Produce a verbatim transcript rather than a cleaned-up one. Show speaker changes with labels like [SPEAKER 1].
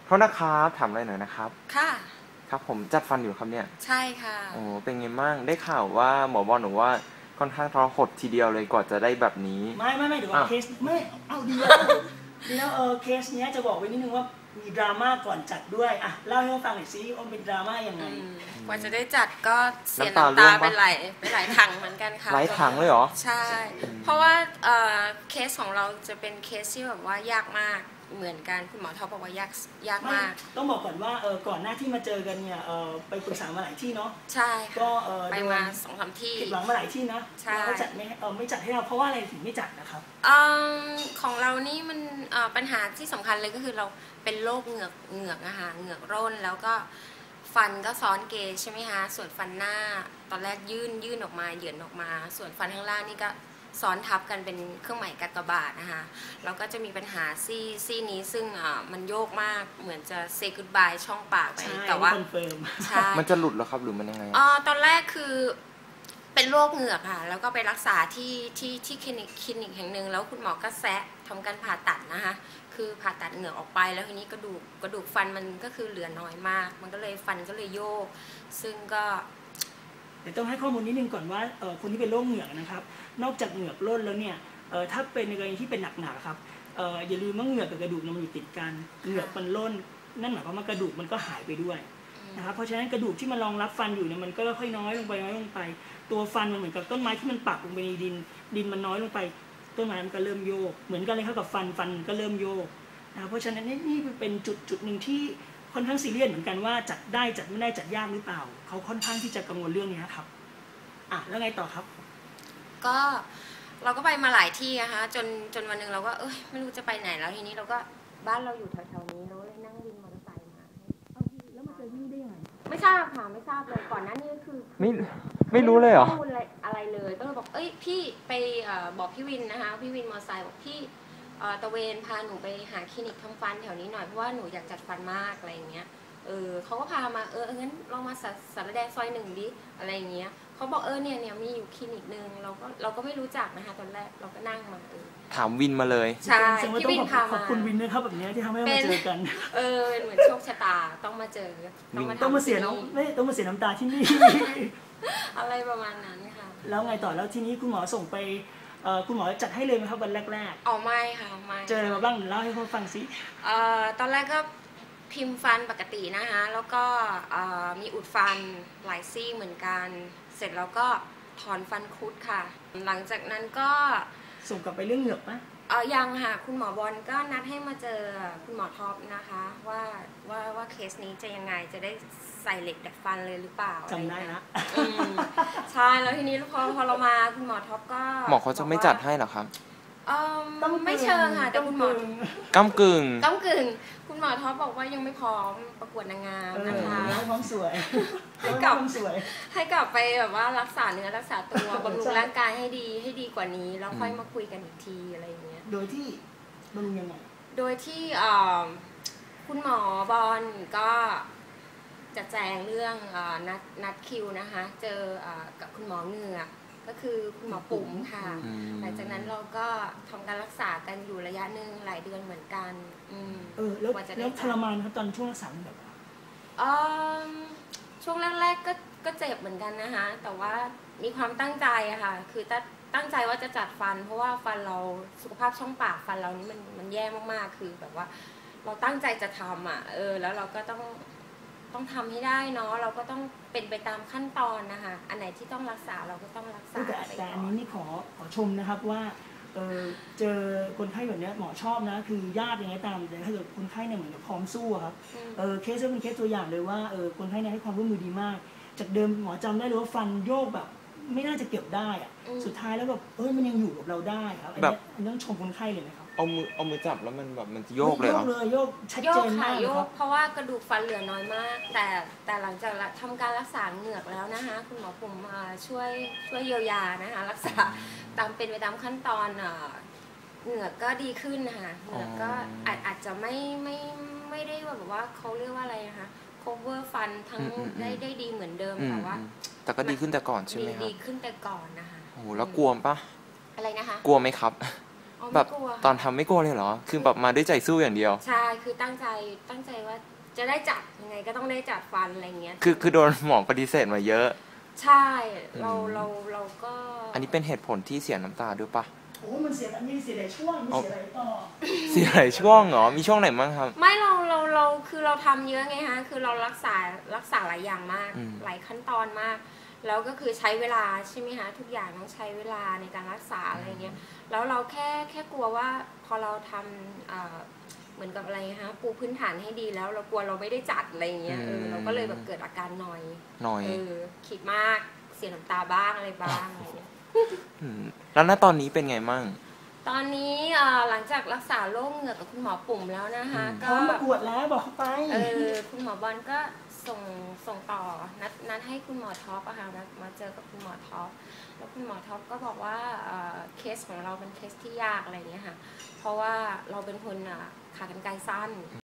[SPEAKER 1] โทษนะครับถามอะไรหน่อยนะครับ
[SPEAKER 2] ค่ะ
[SPEAKER 1] ครับผมจัดฟันอยู่ครับเนี่ย
[SPEAKER 2] ใช่ค่ะ
[SPEAKER 1] โอ้เป็นไงบ้างได้ข่าวว่าหมอบอกหนูว่าค่อนข้างทรหดทีเดียวเลยกว่าจะได้แบบนี้
[SPEAKER 3] ไม่ไม่ไม่เดี๋ยวว่าเคสไม่เอาดีแล้วดีแล้วเออเคสเนี้ยจะบอกไว้นิดนึงว่ามีดราม่าก่อนจัดด้วยอ่ะเล่าให้เราฟังหน่อยซิว่าเป็นดราม่ายังไง
[SPEAKER 2] กว่าจะได้จัดก็เสียน้ำตาไปหลายไปหลายถังเหมือนกันค่ะ
[SPEAKER 1] หลายถังเลยเหรอ
[SPEAKER 2] ใช่เพราะว่าเคสของเราจะเป็นเคสที่แบบว่ายากมากเหมือนกันคุณหมอท็อปบอกว่ายากยากมาก
[SPEAKER 3] ต้องบอกก่อนว่าเออก่อนหน้าที่มาเจอกันเนี่ยเออไปปรึกษามาหลายที่เนาะ
[SPEAKER 2] ใช่
[SPEAKER 3] ก็เออ
[SPEAKER 2] ไปมาสองสามที่
[SPEAKER 3] ผิดหวังมาหลายที่นะแล้วจัดไม่เออไม่จัดให้เราเพราะว่าอะไรถึงไม่จัดนะครับ
[SPEAKER 2] ของเรานี่มันปัญหาที่สำคัญเลยก็คือเราเป็นโรคเหงือกเหงือกนะคะเหงือกร่นแล้วก็ฟันก็ซ้อนเกยใช่ไหมคะส่วนฟันหน้าตอนแรกยื่นยื่นออกมาเหยื่อนออกมาส่วนฟันข้างล่างนี่ก็ซ้อนทับกันเป็นเครื่องหมายกากบาทนะคะแล้วก็จะมีปัญหาซี่ซี่นี้ซึ่งมันโยกมากเหมือนจะเซกูดบายช่องปากไปแต่ว่า
[SPEAKER 1] ใช่มันจะหลุดหรอครับหรือมันยังไง
[SPEAKER 2] อ๋อตอนแรกคือเป็นโรคเหงือกค่ะแล้วก็ไปรักษาที่ที่ที่คลินิกคลินิกแห่งหนึ่งแล้วคุณหมอก็แซะทำการผ่าตัดนะคะคือผ่าตัดเหงือกออกไปแล้วทีนี้กระดูกกระดูกฟันมันก็คือเหลือน้อยมากมันก็เลยฟันก็เลยโยกซึ่งก็
[SPEAKER 3] เดี๋ยวต้องให้ข้อมูลนิดนึงก่อนว่าเออคนที่เป็นโรคเหงือกนะครับนอกจากเหงือกร่นแล้วเนี่ยเออถ้าเป็นในกรณีที่เป็นหนักๆครับเอออย่าลืมว่าเหงือกกับกระดูกมันอยู่ติดกันเหงือกมันร่นนั่นหมายความว่ากระดูกมันก็หายไปด้วยนะครับเพราะฉะนั้นกระดูกที่มันรองรับฟันอยู่เนี่ยมันก็ค่อยน้อยลงไปน้อยลงไปตัวฟันมันเหมือนกับต้นไม้ที่มันปักลงไปในดินดินมันน้อยลงไปต้นไม้มันก็เริ่มโยกเหมือนกันเลยครับกับฟันฟันก็เริ่มโยกนะเพราะฉะนั้นนี่เป็นจุดจุดหนึ่งที่ค่อนข้างซีเรียสเหมือนกันว่าจัดได้จัดไม่ได้จัดยากหรือเปล่าเขาค่อนข้างที่จะกังวลเรื่องนี้ครับอ่ะแล้วไงต่อครับ
[SPEAKER 2] ก็เราก็ไปมาหลายที่นะคะจนจนวันหนึ่งเราก็เอ้ยไม่รู้จะไปไหนแล้วทีนี้เราก็บ้านเราอยู่แถวๆนี้เราเลยนั่งวินมอเตอร์ไซค์มา
[SPEAKER 3] แล้วมาเจอที่นี่ได้ยังไง
[SPEAKER 2] ไม่ทราบค่ะไม่ทราบเลยก่อนหน้านี้คือ
[SPEAKER 1] ไม่ไม่รู้เลยเหรอ
[SPEAKER 2] ข้อมูลอะไรเลยก็เลยบอกเอ้ยพี่ไปบอกพี่วินนะคะพี่วินมอเตอร์ไซค์บอกพี่ตะเวนพาหนูไปหาคลินิกทำฟันแถวนี้หน่อยเพราะว่าหนูอยากจัดฟันมากอะไรอย่างเงี้ยเออเขาก็พามาเอองั้นลองมาสารแดงซอยหนึ่งดิอะไรอย่างเงี้ยเขาบอกเออเนี่ยเนี่ยมีอยู่คลินิกนึงเราก็เราก็ไม่รู้จักนะคะตอนแรกเราก็นั่งมาเออ
[SPEAKER 1] ถามวินมาเลย
[SPEAKER 2] ใช่พี่วินพามา
[SPEAKER 3] ขอบคุณวินนะครับแบบนี้ที่ทำให้เราเจอกัน
[SPEAKER 2] เออเหมือนโชคชะตาต้องมาเจอ
[SPEAKER 3] ต้องมาต้องมาเสียน้ำไม่ต้องมาเสียน้ำตาที่นี่
[SPEAKER 2] อะไรประมาณนั้นค่ะ
[SPEAKER 3] แล้วไงต่อแล้วทีนี้คุณหมอส่งไปคุณหมอจัดให้เลยไหมครับวันแรก
[SPEAKER 2] ๆอ๋อไม่ค่ะไม่
[SPEAKER 3] เจออะไรมาบ้างเล่าให้เขาฟังสิ
[SPEAKER 2] เอ่อตอนแรกก็พิมพ์ฟันปกตินะคะแล้วก็มีอุดฟันหลายซี่เหมือนกันเสร็จแล้วก็ถอนฟันคุดค่ะหลังจากนั้นก็
[SPEAKER 3] ส่งกลับไปเรื่องเหงือกไหม
[SPEAKER 2] เออยังค่ะคุณหมอบอลก็นัดให้มาเจอคุณหมอท็อปนะคะว่าว่าว่าเคสนี้จะยังไงจะได้ใส่เหล็กดัดฟันเลยหรือเปล่า
[SPEAKER 3] จำได้นะ
[SPEAKER 2] ใช่แล้วทีนี้พอพอเรามาคุณหมอท็อปก็
[SPEAKER 1] หมอเขาจะไม่จัดให้หรอครับ
[SPEAKER 2] เออไม่เชิงค่ะแต่คุณหมอ
[SPEAKER 1] ก้ำกึ่ง
[SPEAKER 2] ก้ำกึ่งคุณหมอท็อปบอกว่ายังไม่พร้อมประกวดนางงามนะคะ
[SPEAKER 3] ให้พร้อมสวย
[SPEAKER 2] ให้กลับให้กลับไปแบบว่ารักษาเนื้อรักษาตัวบำรุงร่างกายให้ดีให้ดีกว่านี้แล้วค่อยมาคุยกันอีกทีอะไรอย่างเงี้ย
[SPEAKER 3] โดยที่บำรุงยังไง
[SPEAKER 2] โดยที่คุณหมอบอลก็จะแจ้งเรื่องนัดนัดคิวนะคะเจอกับคุณหมอเหงือกก็คือคุณหมอปุ๋มค่ะหลังจากนั้นเราก็ทำการรักษากันอยู่ระยะหนึ่งหลายเดือนเหมือนกัน
[SPEAKER 3] เออแล้วแล้วทรมานครับตอนช่วงรักษาแบบ
[SPEAKER 2] ช่วงแรกๆก็ก็เจ็บเหมือนกันนะคะแต่ว่ามีความตั้งใจอะค่ะคือตั้งใจว่าจะจัดฟันเพราะว่าฟันเราสุขภาพช่องปากฟันเรานี่มันมันแย่มากๆคือแบบว่าเราตั้งใจจะทำอ่ะเออแล้วเราก็ต้องต้องทำให้ได้เนาะเราก็ต้องเป็นไปตามขั้นตอนนะคะอันไหนที่ต้องรักษาเราก็ต้องรักษา
[SPEAKER 3] แต่อันนี้นี่ขอขอชมนะครับว่าเออเจอคนไข้แบบนี้หมอชอบนะคือญาติยังไงตามแต่ถ้าเกิดคนไข้เนี่ยเหมือนกับพร้อมสู้ครับเออเคสนี้เป็นเคสตัวอย่างเลยว่าเออคนไข้เนี่ยให้ความร่วมมือดีมากจากเดิมหมอจำได้เลยว่าฟันโยกแบบไม่น่าจะเก็บได้อะสุดท้ายแล้วแบบเออมันยังอยู่กับเราได้ครับอันนี้อันนี้ต้องชมคนไข้เลยนะครับ
[SPEAKER 1] เอามือเอามือจับแล้วมันแบบมันโยกเลยเหรอ
[SPEAKER 3] โยกเลยโยกชัดเจนมากครับ
[SPEAKER 2] เพราะว่ากระดูกฟันเหลือน้อยมากแต่แต่หลังจากทำการรักษาเหงือกแล้วนะคะคุณหมอผมช่วยช่วยเยียวยานะคะรักษาตามเป็นไปตามขั้นตอนเหงือกก็ดีขึ้นนะคะเหงือกก็อาจอาจจะไม่ไม่ไม่ได้แบบว่าเขาเรียกว่าอะไรนะคะ cover ฟันทั้งได้ได้ดีเหมือนเดิมแต่ว่า
[SPEAKER 1] แต่ก็ดีขึ้นแต่ก่อนใช่ไหมครับ
[SPEAKER 2] ดีขึ้นแต่ก่อนนะคะ
[SPEAKER 1] โอ้แล้วกลัวปะ
[SPEAKER 2] อะไรนะคะ
[SPEAKER 1] กลัวไหมครับ
[SPEAKER 2] อ๋อ
[SPEAKER 1] แบ
[SPEAKER 2] ไม่
[SPEAKER 1] บ
[SPEAKER 2] กลัว
[SPEAKER 1] ตอนทำไม่กลัวเลยเหรอ คือแบบมาด้วยใจสู้อย่างเดียว
[SPEAKER 2] ใช่คือตั้งใจตั้งใจว่าจะได้จัดยังไงก็ต้องได้จัดฟันอะไรเงี้ย
[SPEAKER 1] คือคือโดนหมอปฏิเสธมาเยอะ
[SPEAKER 2] ใช่เรา
[SPEAKER 1] อืม
[SPEAKER 2] เราเราก็
[SPEAKER 1] อันนี้เป็นเหตุผลที่เสียน้ำตาด้วยปะ
[SPEAKER 3] โอ้มันเสียมีเสียหลายช่วงมีเสียหลายต่อ
[SPEAKER 1] เสียหลายช่วงเหรอ มีช่วงไหนบ้างครับ
[SPEAKER 2] ไม่เราเราเราคือเราทำเยอะไงฮะคือเรารักษารักษาหลายอย่างมาก
[SPEAKER 1] อืม
[SPEAKER 2] หลายขั้นตอนมาก แล้วก็คือใช้เวลาใช่ไหมคะทุกอย่างต้องใช้เวลาในการรักษาอะไรเงี้ยแล้วเราแค่แค่กลัวว่าพอเราทำเอ่อเหมือนกับอะไรฮะปูพื้นฐานให้ดีแล้วเรากลัวเราไม่ได้จัดอะไรเงี้ยเออเราก็เลยแบบเกิดอาการนอย
[SPEAKER 1] หน่อย
[SPEAKER 2] เออคิดมากเสียน้ำตาบ้างอะไรบ้างอะไรเงี้ย
[SPEAKER 1] มแล้วณตอนนี้เป็นไงมั่ง
[SPEAKER 2] ตอนนี้เอ่อหลังจากรักษาโรคเหงือกกับคุณหมอปุ่มแล้วนะคะ
[SPEAKER 1] อืม
[SPEAKER 3] พร้
[SPEAKER 2] ก็
[SPEAKER 3] อมประกวดแล้วบอกเขาไป
[SPEAKER 2] เออคุณหมอบอลก็ส่งส่งต่อนัดนัดให้คุณหมอท็อปอะค่ะนัดมาเจอกับคุณหมอท็อปแล้วคุณหมอท็อปก็บอกว่าเอ่อเคสของเราเป็นเคสที่ยากอะไรอย่างเงี้ยค่ะเพราะว่าเราเป็นคนอ่ะขากรรไกรสั้น